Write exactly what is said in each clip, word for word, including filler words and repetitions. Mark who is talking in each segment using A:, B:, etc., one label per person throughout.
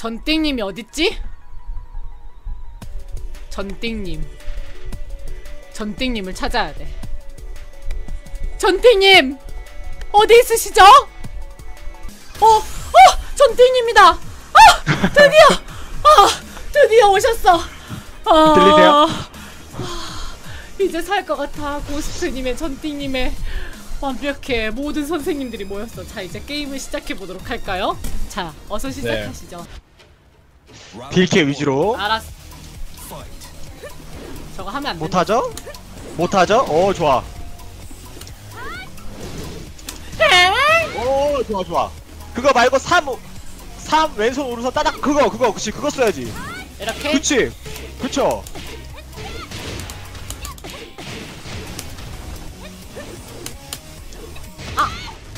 A: 전띵님이 어딨지? 전띵님. 전띵님을 찾아야 돼. 전띵님! 어디 있으시죠? 어! 어! 전띵입니다! 아! 드디어! 아! 드디어 오셨어! 아,
B: 들리세요?
A: 아, 이제 살 것 같아. 고스트님의 전띵님의 완벽해. 모든 선생님들이 모였어. 자, 이제 게임을 시작해보도록 할까요? 자, 어서 시작하시죠.
B: 네. 딜캐 위주로.
A: 알았어. 저거 하면 안 돼.
B: 못하죠? 못하죠? 오 좋아. 오 좋아 좋아. 그거 말고 삼 삼 왼손 오른손 따닥 그거 그거 그치 그거 써야지.
A: 이렇게?
B: 그치 그쵸.
A: 아!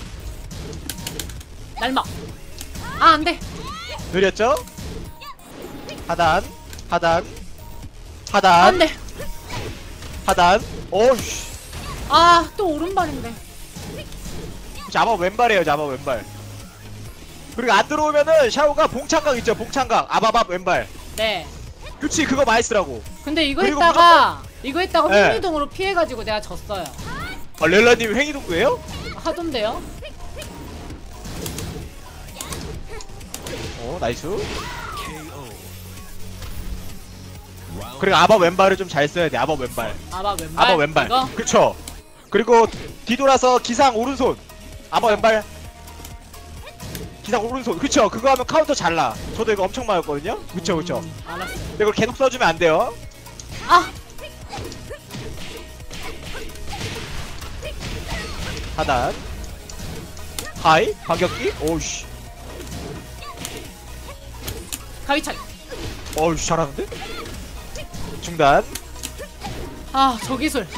A: 날마! 아, 안 돼!
B: 느렸죠? 하단 하단 하단
A: 안 돼!
B: 하단. 오우씨.
A: 아, 또 오른발인데.
B: 잡아 왼발이에요. 잡아 왼발. 그리고 안 들어오면은 샤오가 봉창각 있죠. 봉창각 아바밥 왼발.
A: 네.
B: 그치 그거 많이 쓰라고.
A: 근데 이거
B: 그리고
A: 했다가 이거 했다가
B: 네.
A: 횡이동으로 피해가지고 내가 졌어요.
B: 아 렐라님 횡이동구예요?
A: 하던데요?
B: 오 나이스. 그리고 아바 왼발을 좀 잘 써야 돼. 아바 왼발.
A: 아바 왼발?
B: 아바 왼발.
A: 이거?
B: 그쵸. 그리고 뒤돌아서 기상 오른손. 아바 왼발. 기상 오른손. 그쵸. 그거 하면 카운터 잘 나. 저도 이거 엄청 맞았거든요. 그쵸 그쵸.
A: 음, 알았어.
B: 근데 이걸 계속 써주면 안 돼요.
A: 아!
B: 하단. 하이. 반격기. 오우씨.
A: 가위차기.
B: 어우씨 잘하는데? 중단.
A: 아, 저 기술.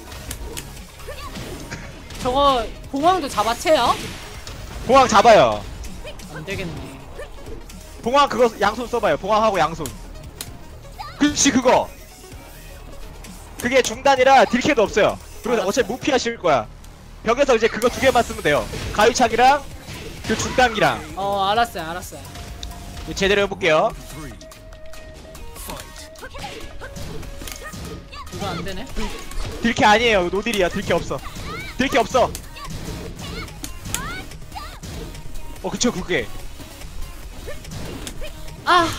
A: 저거 봉황도 잡아채요?
B: 봉황 잡아요.
A: 안되겠네.
B: 봉황 그거 양손 써봐요. 봉황하고 양손. 그치 그거. 그게 중단이라 딜캐도 없어요. 그리고
A: 알았어.
B: 어차피 무피 하실 거야. 벽에서 이제 그거 두 개만 쓰면 돼요. 가위차기랑 그 중단기랑.
A: 어, 알았어요 알았어요.
B: 제대로 해볼게요.
A: 이거 안되네.
B: 딜캐 아니에요. 노딜이야. 딜캐 없어. 딜캐 없어. 어 그쵸 그게.
A: 아!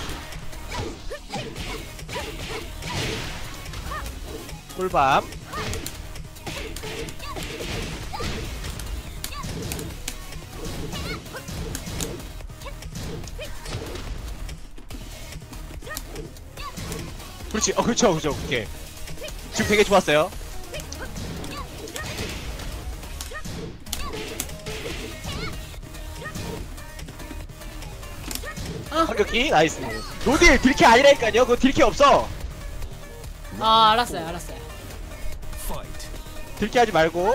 B: 꿀밤. 그렇지. 어 그쵸 그쵸 그게. 지금 되게 좋았어요.
A: 아!
B: 반격기 나이스. 노딜 딜캐 아니라니까요. 그거 딜캐 없어.
A: 아, 알았어요 알았어요.
B: 딜캐 하지 말고.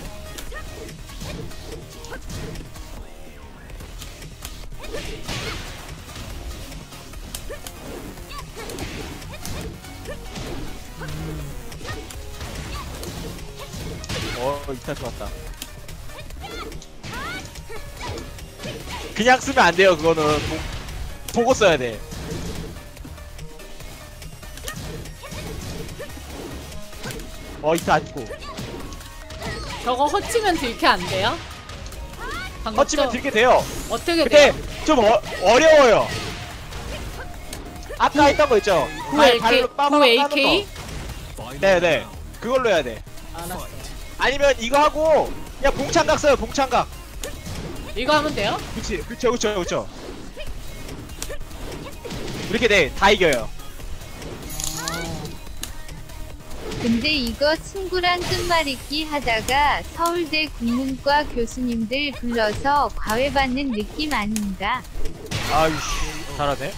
B: 어 이탈 좋았다. 그냥 쓰면 안 돼요. 그거는 보, 보고 써야 돼. 어 이탈 안 죽고.
A: 저거 허치면 들켜 안돼요? 방금
B: 터치면
A: 저-
B: 들게 돼요.
A: 어떻게
B: 근데
A: 돼요?
B: 좀 어, 어려워요. 아까 했던 거 있죠?
A: 구
B: 발-
A: 에이케이?
B: 발로
A: 구
B: 빠바박
A: 에이케이?
B: 까는 거. 네네. 그걸로 해야 돼.
A: 알았어.
B: 아니면 이거 하고 그냥 봉창각 써요. 봉창각.
A: 이거 하면 돼요?
B: 그치 그쵸 그쵸 그쵸. 이렇게 돼. 다 이겨요.
C: 근데 이거 친구랑 끝말잇기 하다가 서울대 국문과 교수님들 불러서 과외받는 느낌 아닌가?
B: 아이씨 잘하네.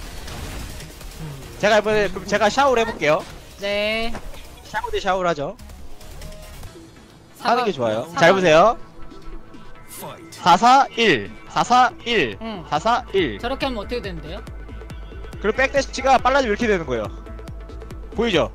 B: 제가 이번에 그럼 제가 샤워를 해볼게요.
A: 네.
B: 샤워 대 샤워를 하죠.
A: 사과-
B: 하는 게 좋아요.
A: 사과-
B: 잘 보세요. 사 사 일 사 사 일
A: 응.
B: 사 사 일.
A: 저렇게 하면 어떻게 되는데요?
B: 그리고 백대시가 빨라지면 이렇게 되는 거예요. 보이죠?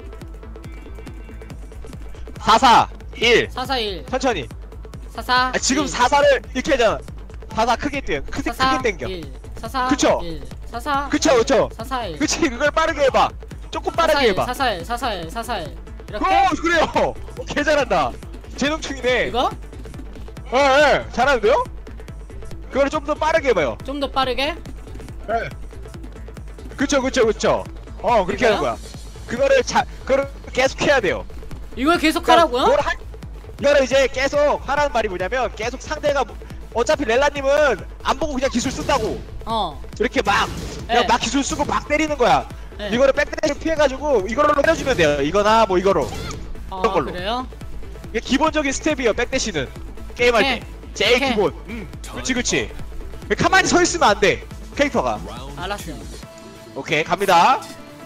B: 사 사 일
A: 사 사 일
B: 천천히.
A: 사 사
B: 아, 지금 사 사를 이렇게 하잖아. 사 사 크게 뛰어. 크게,
A: 사 사
B: 크게 당겨.
A: 일 사 사
B: 그쵸?
A: 일 사사.
B: 그쵸 그쵸.
A: 사사일.
B: 그치 그걸 빠르게 해봐. 조금 빠르게
A: 사사일,
B: 해봐.
A: 사사일, 사사일, 사사일. 이렇게?
B: 어 그래요. 어, 개 잘한다. 재능충이네.
A: 이거?
B: 예, 예, 잘하는데요? 그거를 좀 더 빠르게 해봐요.
A: 좀 더 빠르게?
B: 예. 그쵸, 그쵸, 그쵸. 어, 그렇게
A: 이거요?
B: 하는 거야. 그거를 자, 그거를 계속 해야 돼요.
A: 이걸 계속
B: 그러니까
A: 하라고요?
B: 그걸 하, 이거를 이제 계속 하라는 말이 뭐냐면, 계속 상대가, 뭐- 어차피 렐라님은 안 보고 그냥 기술 쓴다고.
A: 어.
B: 이렇게 막, 그냥
A: 네.
B: 막 기술 쓰고 막 때리는 거야.
A: 네.
B: 이거를 백대를 피해가지고, 이걸로 때려주면 돼요. 이거나 뭐 이거로.
A: 아,
B: 그런 걸로.
A: 그래요?
B: 이게 기본적인 스텝이에요, 백대시는. 게임할
A: 오케이.
B: 때. 제일
A: 오케이.
B: 기본. 음, 그치, 그치. 가만히 서 있으면 안 돼. 캐릭터가.
A: 알았어요.
B: 오케이, 갑니다.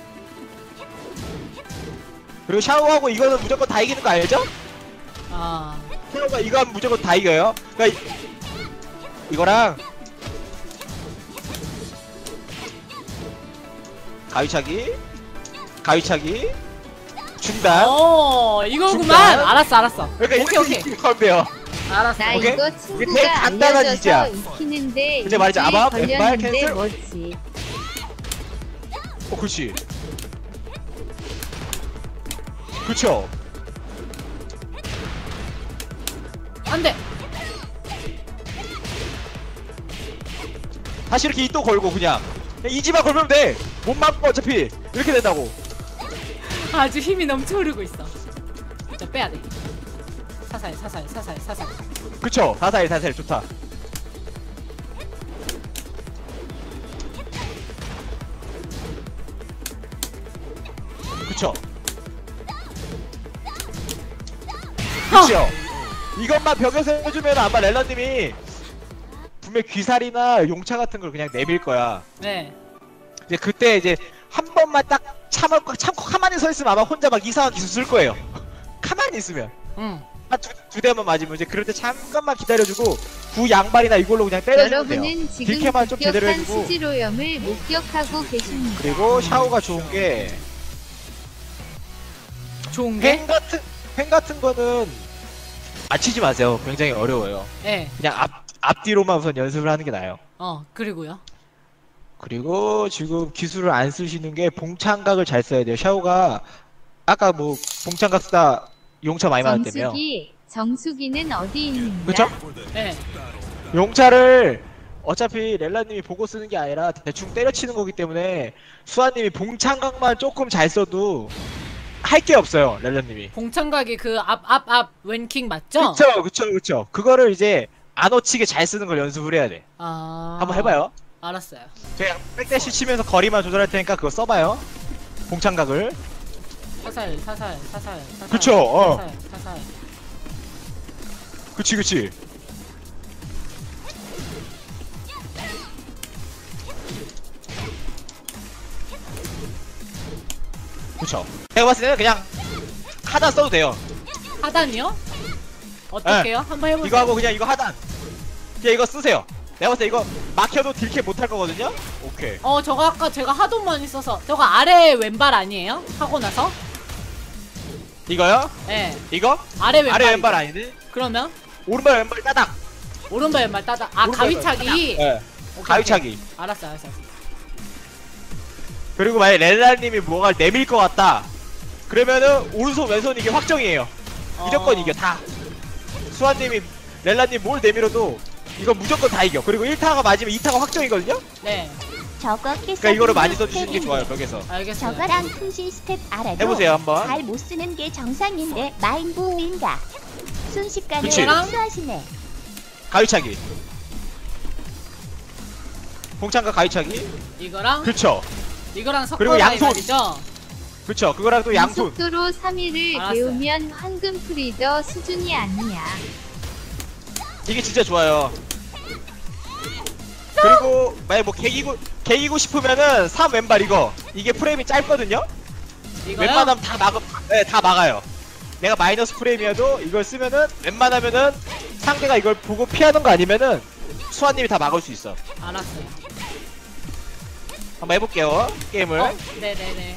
B: 그리고 샤오하고 이거는 무조건 다 이기는 거 알죠?
A: 아.
B: 샤오가 이거 하면 무조건 다 이겨요. 그러니까 이, 이거랑 가위차기, 가위차기, 중단.
A: 어, 이거구만.
B: 중단.
A: 알았어, 알았어.
B: 그러니까
A: 오케이, 오케이.
B: 이렇게 하면 돼요.
A: 알았어.
C: 나
B: 오케이?
C: 이거
B: 이게
C: 친구가
B: 되게 간단한
C: 알려줘서
B: 이지야.
C: 익히는데
B: 근데 말이죠,
C: 일주일
B: 아마 왼발
C: 걸렸는데
B: 캔슬?
C: 뭐지?
B: 어, 그렇지. 그쵸.
A: 안 돼.
B: 다시 이렇게 또 걸고 그냥. 그냥 이지만 걸면 돼. 못 맞고 어차피 이렇게 된다고.
A: 아주 힘이 넘쳐 흐르고 있어. 자, 빼야 돼. 사살, 사살, 사살, 사살.
B: 그쵸. 사사일 사사일 좋다. 그쵸. 그쵸. 이것만 벽에서 해주면 아마 렐러님이 분명 귀살이나 용차 같은 걸 그냥 내밀 거야.
A: 네.
B: 이제 그때 이제 한 번만 딱 참을 참고 가만히 서 있으면 아마 혼자 막 이상한 기술 쓸 거예요. 가만히 있으면
A: 응.
B: 한 두 두 대만 맞으면 이제 그럴 때 잠깐만 기다려주고 구 양발이나 이걸로 그냥 때려주면 돼요.
C: 여러분은 지금
B: 딜캐만 좀 제대로
C: 급격한
B: 해주고.
C: 수지로염을 목격하고 계십니다.
B: 그리고 샤오가 좋은 게
A: 좋은 게?
B: 횡 같은 횡 같은 거는 맞히지 마세요. 굉장히 어려워요.
A: 네.
B: 그냥 앞 앞뒤로만 우선 연습을 하는 게 나아요.
A: 어, 그리고요.
B: 그리고 지금 기술을 안 쓰시는 게 봉창각을 잘 써야 돼요. 샤오가 아까 뭐 봉창각 쓰다 용차 많이 맞았다며.
C: 정수기, 정수기는 어디 있는가?
B: 그쵸?
A: 네.
B: 용차를 어차피 렐라님이 보고 쓰는 게 아니라 대충 때려치는 거기 때문에 수아님이 봉창각만 조금 잘 써도 할 게 없어요. 렐라님이.
A: 봉창각이 그 앞, 앞, 앞 왼킹 맞죠?
B: 그쵸, 그쵸, 그쵸. 그거를 이제 안 놓치게 잘 쓰는 걸 연습을 해야 돼.
A: 아.
B: 한번 해봐요.
A: 알았어요.
B: 제가 백대시 치면서 거리만 조절할 테니까 그거 써봐요. 봉창각을.
A: 사살, 사살, 사살, 사살.
B: 그쵸, 어.
A: 사살, 사살.
B: 그치, 그치. 그쵸. 내가 봤을 때는 그냥 하단 써도 돼요.
A: 하단이요? 어떻게요? 한번 해보세요.
B: 이거 하고 그냥 이거 하단. 그냥 이거 쓰세요. 내가 봤을 때 이거 막혀도 딜캐 못할 거거든요? 오케이.
A: 어, 저거 아까 제가 하도 많이 써서 저거 아래 왼발 아니에요? 하고 나서?
B: 이거요?
A: 네.
B: 이거?
A: 아래 왼발.
B: 아래 왼발 아니네?
A: 그러면
B: 오른발 왼발 따닥.
A: 오른발 왼발 따다. 아,
B: 오른발
A: 가위차기.
B: 네.
A: 오케이,
B: 가위차기.
A: 오케이. 알았어, 알았어. 알았어.
B: 그리고 만약에 렐라님이 뭐가 내밀 것 같다. 그러면은 오른손 왼손 이게 확정이에요. 무조건
A: 어.
B: 이겨 다. 수아님이 렐라님 뭘 내밀어도 이건 무조건 다 이겨. 그리고 일 타가 맞으면 이 타가 확정이거든요?
A: 네.
D: 저거
B: 그러니까 이거를 많이 써주시는 게 좋아요 벽에서.
A: 알겠어요.
D: 저거랑 통신 스텝 알아도
B: 해보세요 한번.
D: 잘 못 쓰는 게 정상인데 마인부인가 순식간에
B: 그치.
D: 흡수하시네.
B: 가위차기. 봉창과 가위차기.
A: 이거랑
B: 그쵸.
A: 이거랑 섞어
B: 그리고 양손.
A: 말이죠?
B: 그쵸. 그거랑 또 양손.
C: 속도로 삼 일을
A: 알았어요.
C: 배우면 황금 프리더 수준이 아니야.
B: 이게 진짜 좋아요. 그리고 만약 뭐 개기고 개기고 싶으면은 삼 왼발 이거 이게 프레임이 짧거든요.
A: 이거요?
B: 웬만하면 다 막아, 네, 다 막아요. 내가 마이너스 프레임이어도 이걸 쓰면은 웬만하면은 상대가 이걸 보고 피하는 거 아니면은 수아님이 다 막을 수 있어.
A: 알았어요.
B: 한번 해볼게요 게임을.
A: 어, 네네네. 네,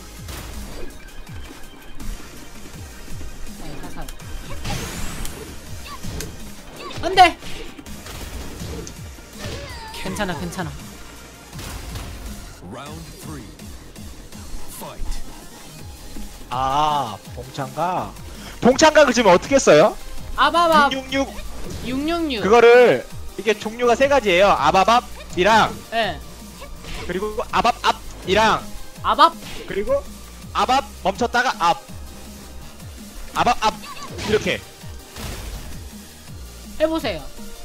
A: 사살. 안돼. 괜찮아, 괜찮아.
B: 아 봉창각. 봉창각을 지금 어떻게 써요?
A: 아바밥
B: 육육육
A: 육육육.
B: 그거를 이게 종류가 세 가지예요. 아바밥이랑
A: 예.
B: 그리고 아밥앞이랑
A: 아밥.
B: 그리고 아밥 멈췄다가 앞 아밥 앞 이렇게.
A: 해보세요.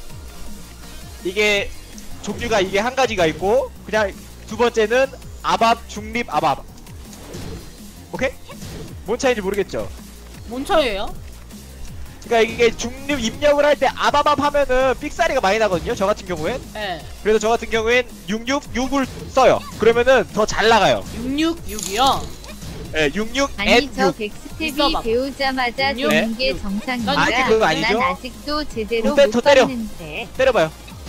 B: 이게 종류가 이게 한 가지가 있고 그냥 두 번째는 아밥 중립 아밥. 오케이? 뭔 차이인지 모르겠죠?
A: 뭔 차이에요?
B: 그러니까 이게 중립 입력을 할 때 아바밥 하면은 삑사리가 많이 나거든요. 저 같은 경우엔.
A: 예.
B: 그래서 저 같은 경우엔 육육육을 써요. 그러면은 더 잘 나가요.
A: 육육육이요.
B: 예, 육육
C: 아니
B: 엔
C: 저
B: 육.
C: 백스텝이
A: 있어봐.
C: 배우자마자
A: 육,
C: 되는 게
A: 육.
C: 정상인가?
A: 난
B: 아직 그거 아니죠?
C: 난 아직도 제대로
B: 또 때-
C: 못
B: 또 때려.
C: 봤는데.
B: 때려봐요.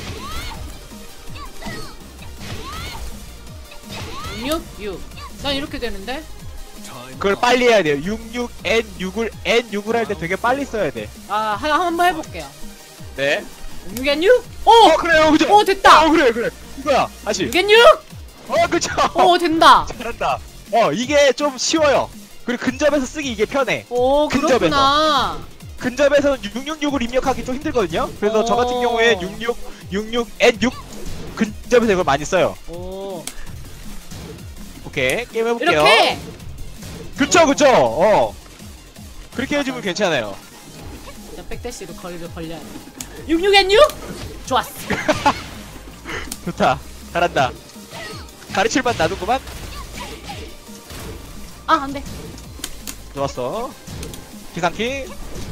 A: 육육육. 난 이렇게 되는데?
B: 그걸 빨리 해야 돼요. 육육 엔 육을 엔 육을 할 때 되게 빨리 써야 돼.
A: 아, 한, 한번 해볼게요.
B: 네.
A: 육육육? 오!
B: 어 그래요, 그죠?
A: 오, 됐다!
B: 어 그래 그래. 이거야. 다시.
A: 육육육!
B: 어 그쵸.
A: 오, 된다!
B: 잘한다. 어 이게 좀 쉬워요. 그리고 근접에서 쓰기 이게 편해.
A: 오,
B: 근접에서.
A: 그렇구나.
B: 근접에서는 육육육을 입력하기 좀 힘들거든요. 그래서
A: 어.
B: 저 같은 경우에 육육 육육 엔 육 근접에서 이걸 많이 써요.
A: 오.
B: 오케이 게임 해볼게요.
A: 이렇게!
B: 그쵸 그쵸. 어 그렇게 해주면 괜찮아요.
A: 자, 백대시로 거리를 벌려야 돼. 육육 엔 육! 좋았어.
B: 좋다. 잘한다. 가르칠만 놔두구만.
A: 아, 안 돼.
B: 좋았어. 기상키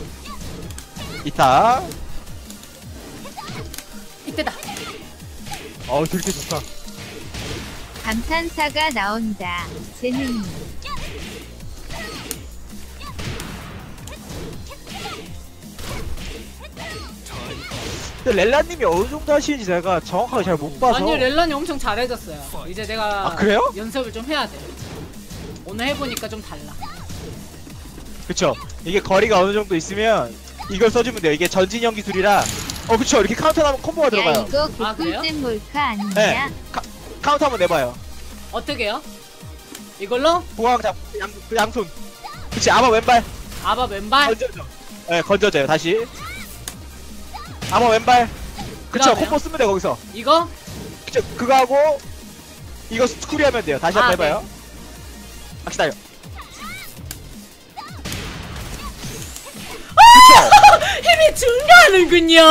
B: 이타.
A: 이때다.
B: 어우 되게 좋다.
C: 감탄사가 나온다. 재능이.
B: 근데 렐라님이 어느 정도 하시는지 제가 정확하게 잘 못 봐서.
A: 아니, 렐란이 엄청 잘해졌어요. 이제 내가
B: 아, 그래요?
A: 연습을 좀 해야 돼. 오늘 해보니까 좀 달라.
B: 그쵸. 이게 거리가 어느 정도 있으면 이걸 써주면 돼요. 이게 전진형 기술이라. 어 그쵸. 이렇게 카운터 나면 콤보가
C: 야
B: 들어가요.
C: 이거
A: 아, 그래요?
C: 개꿀잼 몰카 아니냐?
B: 네. 카, 카운터 한번 내봐요.
A: 어떻게요? 이걸로?
B: 보강 잡 양, 그 양손. 그치. 아마 왼발
A: 아바 왼발?
B: 건져줘. 네 건져져요. 다시. 아마 왼발. 그쵸.
A: 그다음에요?
B: 콤보 쓰면 돼 거기서.
A: 이거?
B: 그쵸. 그거 하고 이거 스쿠리 하면 돼요. 다시
A: 아,
B: 한번 해봐요. 아 기다려.
A: 힘이 증가하는군요.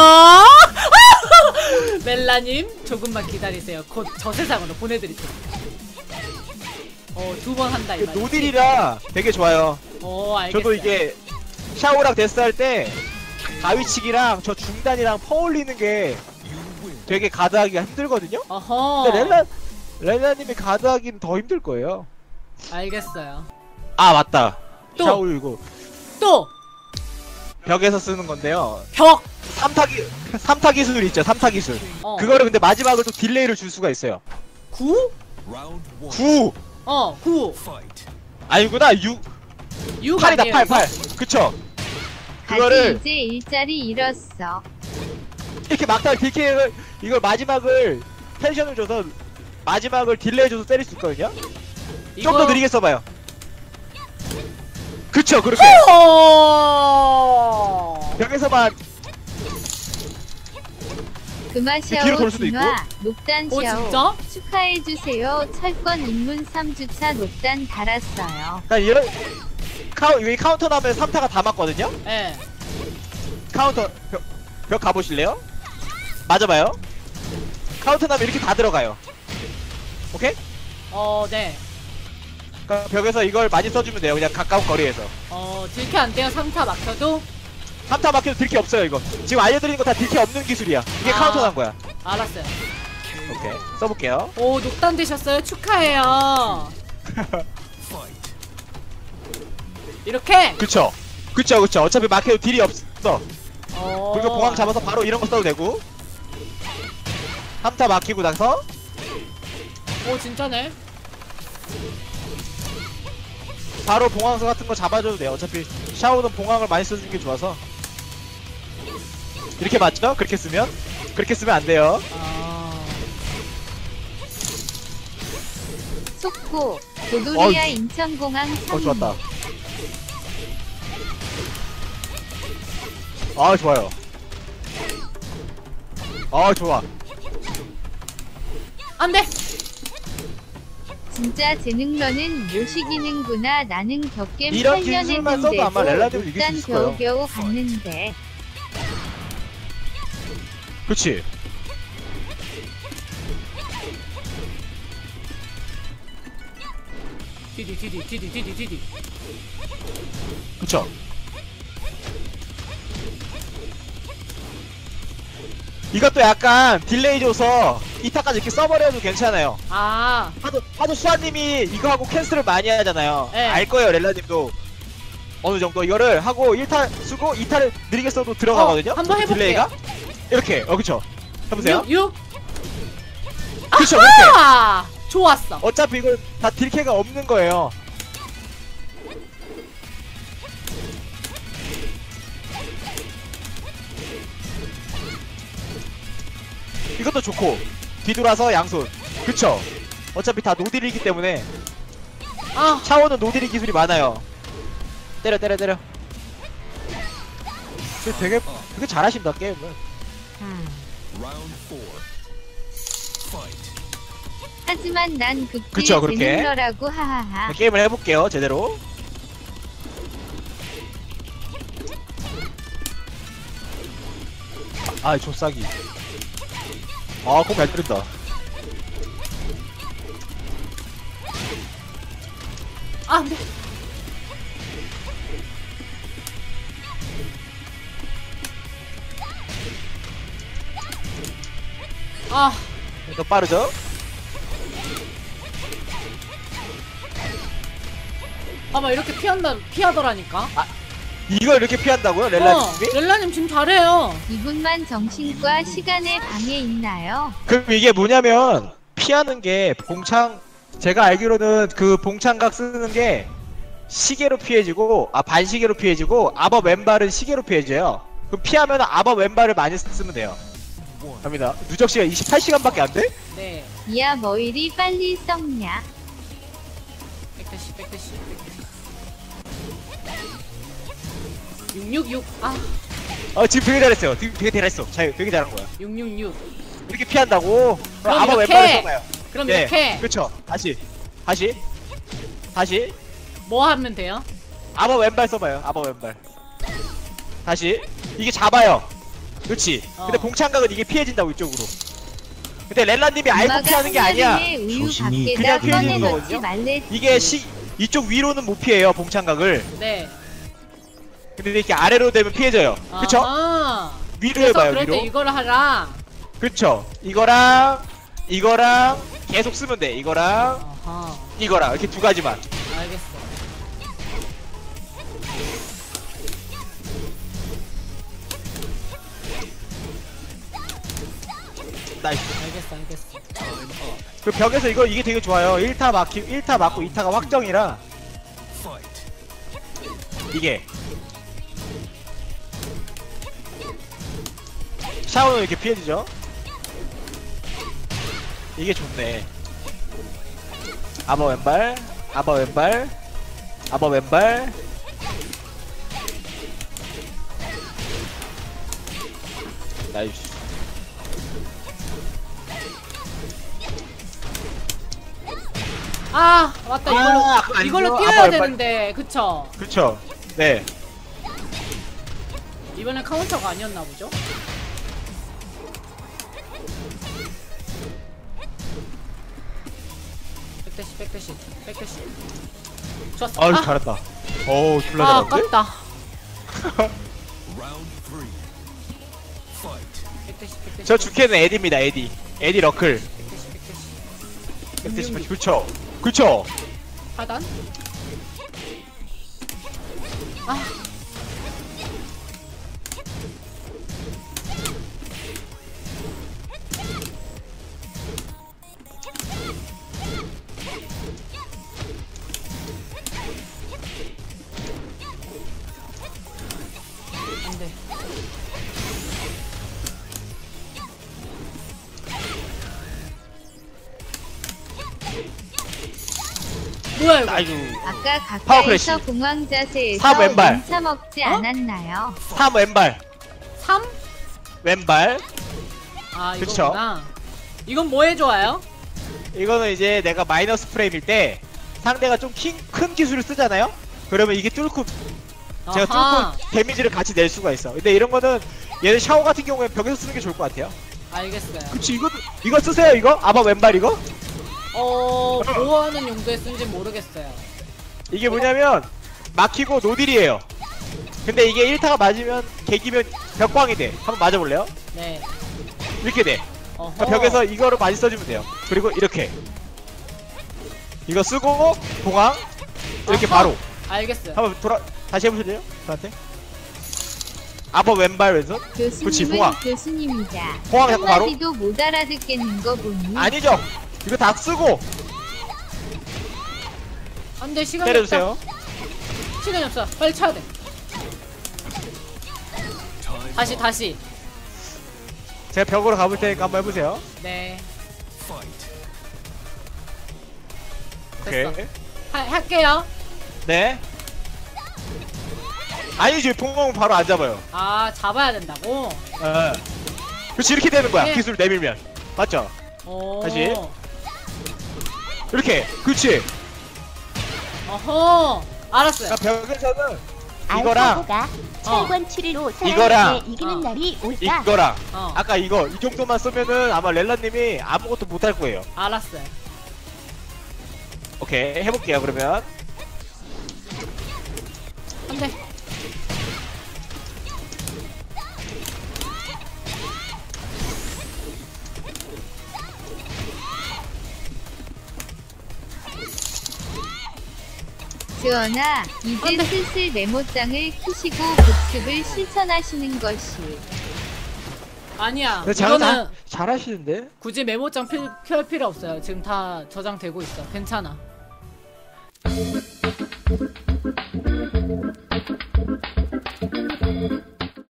A: 멜라님 조금만 기다리세요. 곧 저 세상으로 보내드릴 테니까. 어, 두 번 한다 이
B: 그
A: 말이지.
B: 노딜이라 되게 좋아요.
A: 어, 알겠어요.
B: 저도 이게 샤오랑 데스 할 때 가위치기랑 저 중단이랑 퍼올리는 게 되게 가드하기가 힘들거든요.
A: 어허.
B: 근데 렐라 렐라님이 가드하기는 더 힘들 거예요.
A: 알겠어요.
B: 아 맞다.
A: 또!
B: 샤오 이거
A: 또
B: 벽에서 쓰는 건데요.
A: 벽.
B: 삼타기 삼타 기술 있죠. 삼타 기술.
A: 어.
B: 그거를 근데 마지막으로 좀 딜레이를 줄 수가 있어요.
A: 구?
B: 구
A: 어, 구.
B: 아니구나. 육
A: 육
B: 팔이다.
A: 아니에요,
B: 팔
A: 이거?
B: 팔. 그쵸.
C: 다시
B: 그거를
C: 이제 일자리 잃었어.
B: 이렇게 막다 딜킹을 이걸 마지막을 텐션을 줘서 마지막을 딜레이 줘서 때릴 수 있거든요. 좀 더 느리게 써봐요. 그쵸 그렇게
A: 어.
B: 벽에서만
C: 그마
B: 뒤로
C: 샤오
B: 돌 수도
C: 진화 녹단
A: 어,
C: 샤오
A: 진짜?
C: 축하해주세요. 철권 입문 삼 주차 녹단 달았어요.
B: 나 이런 카우 여기 카운터 나면 삼 타가 다 맞거든요.
A: 예.
B: 카운터 벽, 벽 가보실래요? 맞아봐요. 카운터 나면 이렇게 다 들어가요. 오케이?
A: 어, 네.
B: 그러니까 벽에서 이걸 많이 써주면 돼요. 그냥 가까운 거리에서.
A: 어, 딜캐 안 돼요. 삼 타 막혀도.
B: 삼 타 막혀도 딜키 없어요 이거. 지금 알려드리는 거 다 딜키 없는 기술이야. 이게
A: 아.
B: 카운터 난 거야.
A: 알았어요.
B: 오케이 써볼게요.
A: 오, 녹단 되셨어요. 축하해요. 이렇게.
B: 그쵸 그쵸 그쵸. 어차피 막혀도 딜이 없어.
A: 어.
B: 그리고 보강 잡아서 바로 이런 거 써도 되고. 삼 타 막히고 나서
A: 오, 진짜네.
B: 바로 봉황서 같은 거 잡아줘도 돼요. 어차피 샤오는 봉황을 많이 써주는 게 좋아서. 이렇게 맞죠? 그렇게 쓰면? 그렇게 쓰면 안 돼요.
A: 아.
C: 속보 도도리아
B: 어,
C: 인천공항
B: 어
C: 상륙.
B: 좋았다. 아 좋아요. 아 좋아.
A: 안돼.
C: 진짜 재능러는 모시기는구나. 나는 격겜
B: 이런
C: 팔 년
B: 기술만 써도 아마 렐라님을 이길 수
C: 일단
B: 있을 거예요.
C: 겨우겨우 갔는데
B: 그렇지.
A: 디디 디디 디디 디디 디디.
B: 그쵸. 이것도 약간 딜레이 줘서 이타까지 이렇게 써버려도 괜찮아요.
A: 아
B: 하도 하도 수아님이 이거 하고 캔슬을 많이 하잖아요.
A: 네.
B: 알 거예요, 렐라님도. 어느 정도 이거를 하고 일 타 쓰고 이 타를 느리게 써도 들어가거든요.
A: 어, 한번 해볼게요.
B: 딜레이가 이렇게. 어 그쵸. 해보세요.
A: 육.
B: 그쵸 그렇게.
A: 아 좋았어.
B: 어차피 이건 다 딜캐가 없는 거예요. 이것도 좋고 뒤돌아서 양손. 그쵸. 어차피 다 노딜이기 때문에
A: 아
B: 샤오는 노딜이 기술이 많아요. 때려 때려 때려. 그 되게 되게 잘하신다 게임을.
C: 하지만 난 극딜
B: 그쵸, 그렇게.
C: 재능러라고 하하하.
B: 게임을 해볼게요 제대로. 아 조싸기. 아 공 잘 때린다.
A: 아, 안돼. 아
B: 더 빠르죠?
A: 아마 이렇게 피한다 피하더라니까.
B: 이걸 이렇게 피한다고요
A: 어,
B: 렐라님이?
A: 렐라님 지금 잘해요.
C: 이분만 정신과 시간의 방해 있나요?
B: 그럼 이게 뭐냐면 피하는 게 봉창, 제가 알기로는 그 봉창각 쓰는 게 시계로 피해지고, 아 반시계로 피해지고, 아버 왼발은 시계로 피해져요. 그럼 피하면 아버 왼발을 많이 쓰면 돼요. 갑니다. 누적 시간 이십팔 시간밖에 안 돼?
A: 네.
C: 이야 뭐 이리 빨리 썩냐?
A: 백대시 백대시 백대시. 육육육. 아
B: 어 지금 되게 잘했어요. 되게, 되게 잘했어. 잘, 되게 잘한 거야.
A: 육육육.
B: 이렇게 피한다고?
A: 그럼
B: 아버
A: 이렇게!
B: 왼발을 써봐요.
A: 그럼
B: 네,
A: 이렇게
B: 그쵸. 다시, 다시, 다시.
A: 뭐 하면 돼요?
B: 아버 왼발 써봐요. 아버 왼발. 다시. 이게 잡아요. 그렇지.
A: 어.
B: 근데 봉창각은 이게 피해진다고 이쪽으로. 근데 렐라님이 알고
C: 엄마가
B: 피하는 게 아니야.
C: 한여름에 우유
B: 조심히
C: 밖에다
B: 그냥 피해지는
C: 꺼내 넣지
B: 거거든요.
C: 말랬지.
B: 이게 시 이쪽 위로는 못 피해요. 봉창각을.
A: 네.
B: 근데 이렇게 아래로 되면 피해져요. 그쵸?
A: 아하.
B: 위로
A: 그래서
B: 해봐요.
A: 그럴 때
B: 위로.
A: 이거를 하라.
B: 그쵸. 이거랑 이거랑 계속 쓰면 돼. 이거랑
A: 아하.
B: 이거랑 이렇게 두 가지만.
A: 알겠어.
B: 나이스.
A: 알겠어 알겠어.
B: 그 벽에서 이거 이게 되게 좋아요. 일 타 막히 일 타 맞고 이 타가 확정이라 이게 샤오는 이렇게 피해지죠? 이게 좋네. 아버 왼발, 아버 왼발, 아버 왼발. 나이스.
A: 아 맞다 이걸로
B: 아, 그거 아니죠?
A: 이걸로
B: 아빠
A: 뛰어야
B: 왼발.
A: 되는데 그쵸?
B: 그쵸? 네.
A: 이번엔 카운터가 아니었나 보죠? 백대시 백대시 백대시. 좋았어.
B: 아유
A: 아,
B: 잘했다. 어우 졸라
A: 아
B: 잘한데?
A: 아깝다. 백대시 백대시.
B: 저 주캐는 에디입니다. 에디. 에디 러클.
A: 백대시 백대시.
B: 백대시 백대시. 그쵸? 그쵸?
A: 하단. 아. 안돼. 뭐야 이거?
B: 아이고.
C: 아까
B: 파워 크래쉬.
C: 가까이서 공황 자세에서
B: 사 왼발.
C: 차 먹지
A: 어?
C: 않았나요?
B: 삼 왼발.
A: 삼?
B: 왼발.
A: 아
B: 그쵸.
A: 이거구나. 이건 뭐에 좋아요?
B: 이거는 이제 내가 마이너스 프레임일 때 상대가 좀 큰 기술을 쓰잖아요? 그러면 이게 뚫고 제가
A: 아하.
B: 뚫고 데미지를 같이 낼 수가 있어. 근데 이런 거는 얘는 샤워 같은 경우에 벽에서 쓰는 게 좋을 것 같아요.
A: 알겠어요.
B: 그치, 이거 이거 쓰세요. 이거 아바 왼발 이거.
A: 어 뭐하는 용도에 쓴지 모르겠어요.
B: 이게 뭐냐면 막히고 노딜이에요. 근데 이게 일 타가 맞으면 개기면 벽광이 돼. 한번 맞아볼래요?
A: 네.
B: 이렇게 돼.
A: 어허.
B: 그러니까 벽에서 이거를 많이 써주면 돼요. 그리고 이렇게 이거 쓰고 공항 이렇게
A: 어허.
B: 바로
A: 알겠어요.
B: 한번 돌아 다시 해보실래요? 저한테 아버 왼발 왼손. 그치,
C: 교수님은
B: 봉황.
C: 교수님이자
B: 봉황 자꾸 바로.
C: 한마디도 못 알아듣겠는 거 보니
B: 아니죠. 이거 다 쓰고
A: 안돼 시간이
B: 때려주세요.
A: 없다. 시간이 없어. 빨리 쳐야 돼. 다시 다시.
B: 제가 벽으로 가볼 테니까 한번 해보세요.
A: 네.
B: 오케이.
A: 됐어. 하, 할게요.
B: 네. 아니지, 봉황은 바로 안 잡아요.
A: 아 잡아야 된다고?
B: 어. 그렇지, 이렇게 되는 거야.
A: 네.
B: 기술 내밀면 맞죠?
A: 오.
B: 다시. 이렇게. 그렇지.
A: 어허. 알았어요.
B: 그러니까 벽에서는 이거랑
D: 알파고가 철권 칠일로
B: 이거랑
D: 사람에게 이기는
A: 어.
D: 날이 올까?
B: 이거랑
A: 어.
B: 아까 이거 이 정도만 쓰면은 아마 렐라님이 아무것도 못할 거예요.
A: 알았어요.
B: 오케이, 해볼게요. 그러면
A: 안돼.
C: 주원아 이제
A: 안 돼.
C: 슬슬 메모장을 키시고 복습을 실천하시는 것이
A: 아니야.
B: 근데 잘,
A: 이거는
B: 잘, 잘하시는데?
A: 굳이 메모장 필, 켤 필요 없어요. 지금 다 저장되고 있어. 괜찮아.